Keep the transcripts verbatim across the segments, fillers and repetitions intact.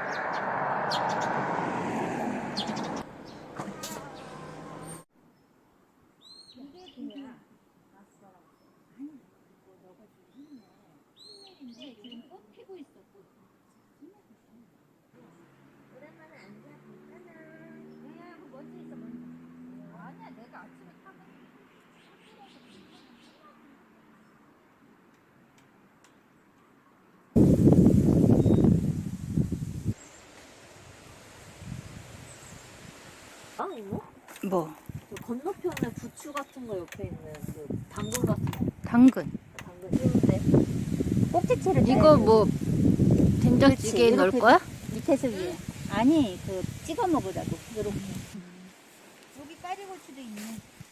아 이거? 뭐? 그 건너편에 부추 같은 거 옆에 있는 그 당근 같은 거. 당근. 당근 쉬운데. 꼭지채를 이거 뭐 된장찌개에 넣을 거야? 밑에서 위에. 아니 그 찍어 먹으라고. 요렇게. 여기 까리고추도 있네.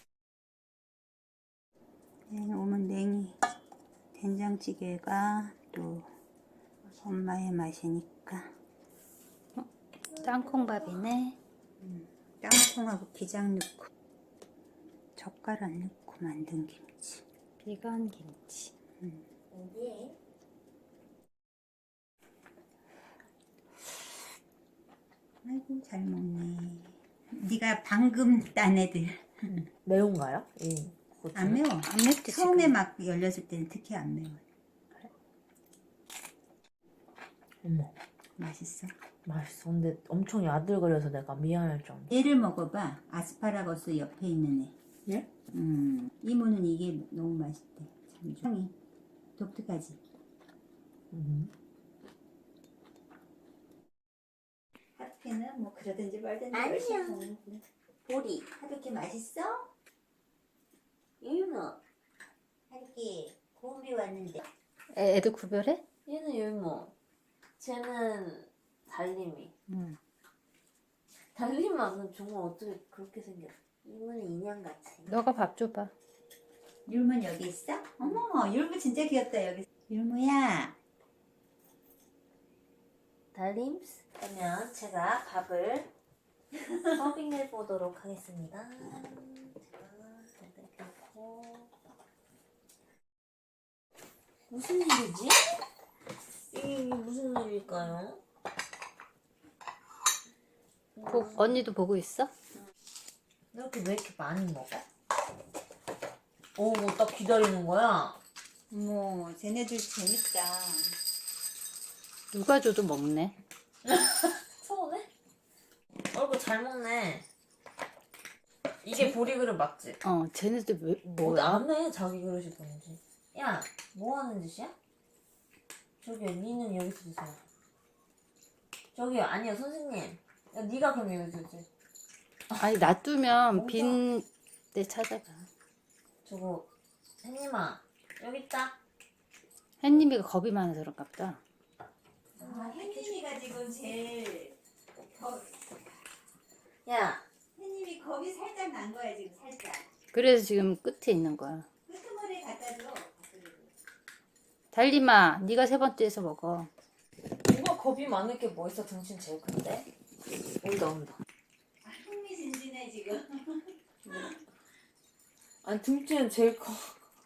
얘는 오면 냉이. 된장찌개가 또 엄마의 맛이니까. 어? 땅콩밥이네. 음, 땅콩하고 기장 넣고 젓가락 넣고 만든 김치. 비건 김치. 음. 어디에? 아이고 잘 먹네. 네가 방금 딴 애들. 매운가요? 이 고추. 안 매워. 안 맵지 처음에 지금. 막 열렸을 때는 특히 안 매워. 어머 맛있어. 맛있어. 근데 엄청 야들거려서 내가 미안할 정도. 얘를 먹어봐. 아스파라거스 옆에 있는 애. 예? 음, 이모는 이게 너무 맛있대. 참 향이 독특하지. 음. 하피는 뭐 그러든지 말든지 아니야. 열심히 먹는데. 보리, 하루키 맛있어? 율무. 하루키 고은비 왔는데. 애, 애들 구별해? 얘는 율무. 쟤는 달림이. 응. 달림 맛은 정말 어떻게 그렇게 생겼어? 이모는 인형같이. 너가 밥 줘봐. 율무는 여기 있어? 어머, 율무 진짜 귀엽다 여기. 율무야. 달림스? 그러면 제가 밥을 서빙해 보도록 하겠습니다. 제가 이렇게 놓고 무슨 일이지? 이게 무슨 일일까요? 보, 언니도 보고 있어? 이렇게 왜 이렇게 많이 먹어? 오, 뭐 딱 기다리는 거야? 어머, 쟤네들 재밌다. 누가 줘도 먹네. 서운해? 얼굴 잘 먹네. 이게 보리 그릇 맞지? 어, 쟤네들 왜, 뭐 뭐야? 안 해, 자기 그릇이 뭔지. 야, 뭐 하는 짓이야? 저기요, 니는 여기서 드세요. 저기요, 아니요, 선생님. 야, 니가 그럼 여기서 드세요. 아니, 놔두면 뭔가- 빈 데 찾아가. 저거, 햇님아, 여기 있다. 햇님이가 겁이 많아서 그런가 보다. 아, 혜님이가 지금 제일 겁, 야, 혜님이 겁이 살짝 난 거야 지금 살짝. 그래서 지금 끝에 있는 거야. 끄트머리에 갖다 줘. 달림아, 네가 세 번째에서 먹어. 누가 겁이 많을 게 뭐 있어? 등신 제일 큰데? 온다, 온다. 아, 흥미진진해 지금. 아니, 등치는 제일 커.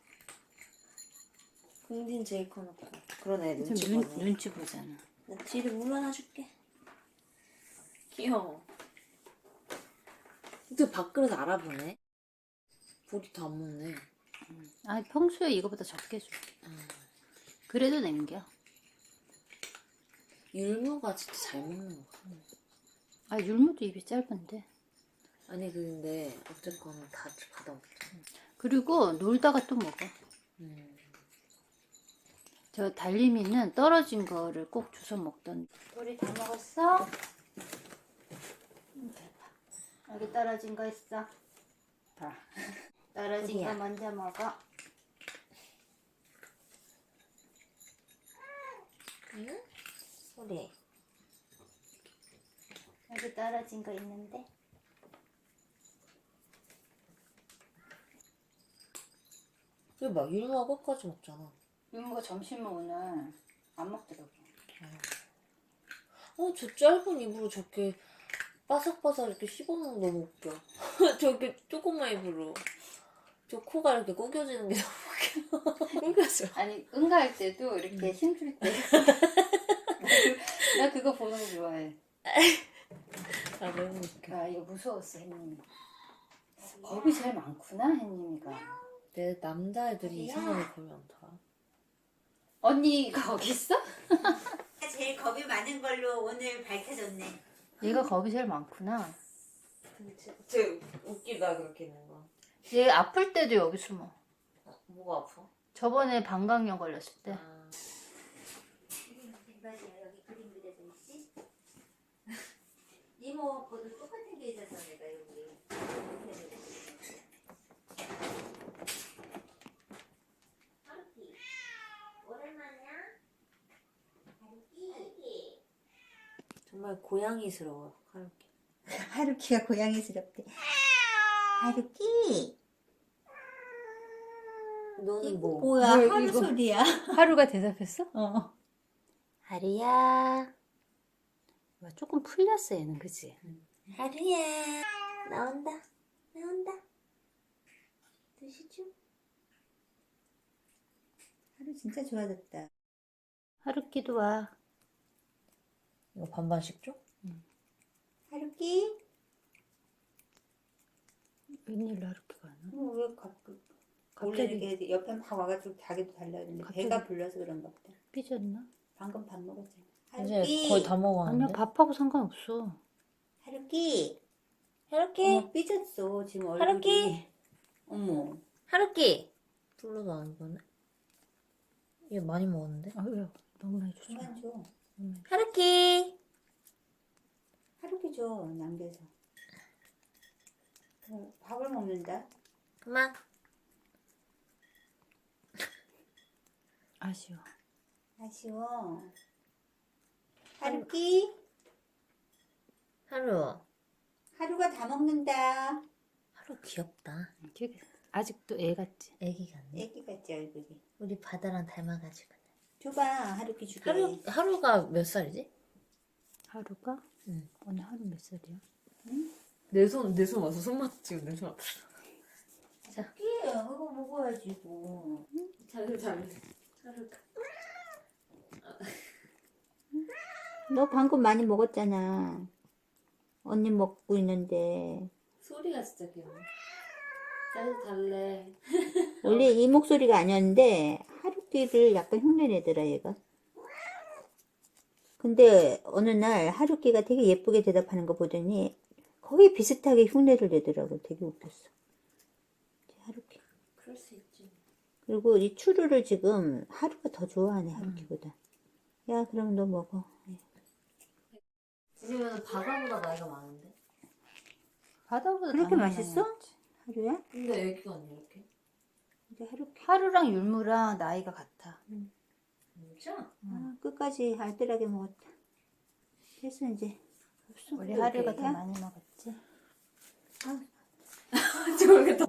등진 제일 커놓고. 그러네, 좀 눈치 눈, 보네. 눈치 보잖아. 나 뒤를 물러나줄게. 귀여워. 근데 밥그릇 알아보네. 보리 다 안 먹네. 아, 평소에 이거보다 적게 줘. 음. 그래도 남겨. 율무가 진짜 잘 먹는 것 같아. 아, 율무도 입이 짧은데. 아니 근데 어쨌거나 다 받아먹자. 그리고 놀다가 또 먹어. 음. 저 달림이는 떨어진 거를 꼭 주워 먹던. 우리 다 먹었어? 응, 대박. 여기 떨어진 거 있어. 봐. 떨어진 어디야? 거 먼저 먹어. 응? 소리. 여기 떨어진 거 있는데. 이거 봐, 율무가 끝까지 먹잖아. 율무가 점심을 오늘 안 먹더라고. 어, 저 짧은 입으로 저렇게 바삭바삭 이렇게 씹어먹는 거 너무 웃겨. 저렇게 조그만 입으로. 저 코가 이렇게 구겨지는 게 너무 웃겨. 구겨져. 아니, 응가할 때도 이렇게 힘줄 때 나 그거 보는 거 좋아해. 아 너무 웃겨. 아, 이거 무서웠어, 햇님이. 겁이 제일 많구나, 햇님이가. 내 남자애들이 이상하게 겁이 많다. 언니가 거기 있어? 제일 겁이 많은 걸로 오늘 밝혀졌네. 얘가 겁이 제일 많구나. 진짜 웃기다 그렇게 있는 거. 얘 아플 때도 여기 숨어. 어, 뭐가 아파? 저번에 방광염 걸렸을 때. 아, 맞아요. 여기 그림 그려져 있지? 이모 거도 똑같은 게 있었어 내가 여기. 하루키 오랜만이야? 하루키 하루키 정말 고양이스러워 하루키. 하루키가 고양이스럽대. 하루키 너는 뭐? 뭐야 뭘 하루 이거? 소리야? 하루가 대답했어? 어. 하루야. 와, 조금 풀렸어, 얘는, 그치? 하루야 나온다 나온다. 드시죠? 하루 진짜 좋아졌다. 하루키도 와. 이거 반반씩 줘? 하루키? 웬일로 하루키가 안 와? 뭐 왜 갑자기 원래 갑자기 이렇게 옆에 막 와가지고 자기도 달라는데 갑자기- 배가 불러서 그런가 보다. 삐졌나? 방금 밥 먹었잖아. 이제 하루키 거의 다 아니야, 먹었는데. 밥하고 상관없어. 하루키 하루키 어머 삐졌어 지금 얼굴이. 하루키? 어머 하루키. 불러도 안 보네. 얘 많이 먹었는데. 아, 왜요? 너무 많이 줬어. 그만 줘. 하루키. 하루키 줘 남겨서. 어, 밥을 먹는다. 그만. 아쉬워. 아쉬워. 하루키 하루. 하루가 다 먹는다. 하루 귀엽다. 되게 아직도 애 같지? 애기 같네. 애기 같지 얼굴이. 우리 바다랑 닮아가지고. 줘봐 하루키 주게. 하루 하루가 몇 살이지? 하루가? 응. 오늘 하루 몇 살이야? 내 손 내 손 와서 손맛 지금 내 손 아파. 하루키 이거 먹어야지 이거. 자루 자루 자루. 너 방금 많이 먹었잖아. 언니 먹고 있는데. 소리가 진짜 귀여워. 자루 달래. 원래 이 목소리가 아니었는데 하루키를 약간 흉내내더라 얘가. 근데 어느 날 하루키가 되게 예쁘게 대답하는 거 보더니 거의 비슷하게 흉내를 내더라고. 되게 웃겼어. 하루키. 그럴 수 있지. 그리고 이 추루를 지금 하루가 더 좋아하네 하루키보다. 야 그럼 너 먹어. 지금은 바다보다 나이가 많은데. 바다보다 그렇게 당연히 맛있어? 많이 먹지. 하루야? 근데 애기가 아니야 이렇게. 이제 하루키. 하루랑 율무랑 나이가 같아. 진짜? 아, 끝까지 알뜰하게 먹었다. 됐어 이제. 없어. 우리 하루가 더 야? 많이 먹었지. 모르겠다.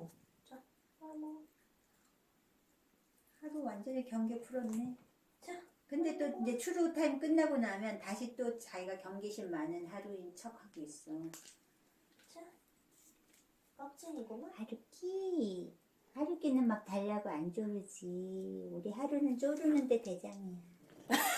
하루 완전히 경계 풀었네. 자, 근데 또 이제 추루 타임 끝나고 나면 다시 또 자기가 경계심 많은 하루인 척 하고 있어. 자, 껍질이구만. 하루키. 하루키는 막 달라고 안 조르지. 우리 하루는 조르는데 대장이야.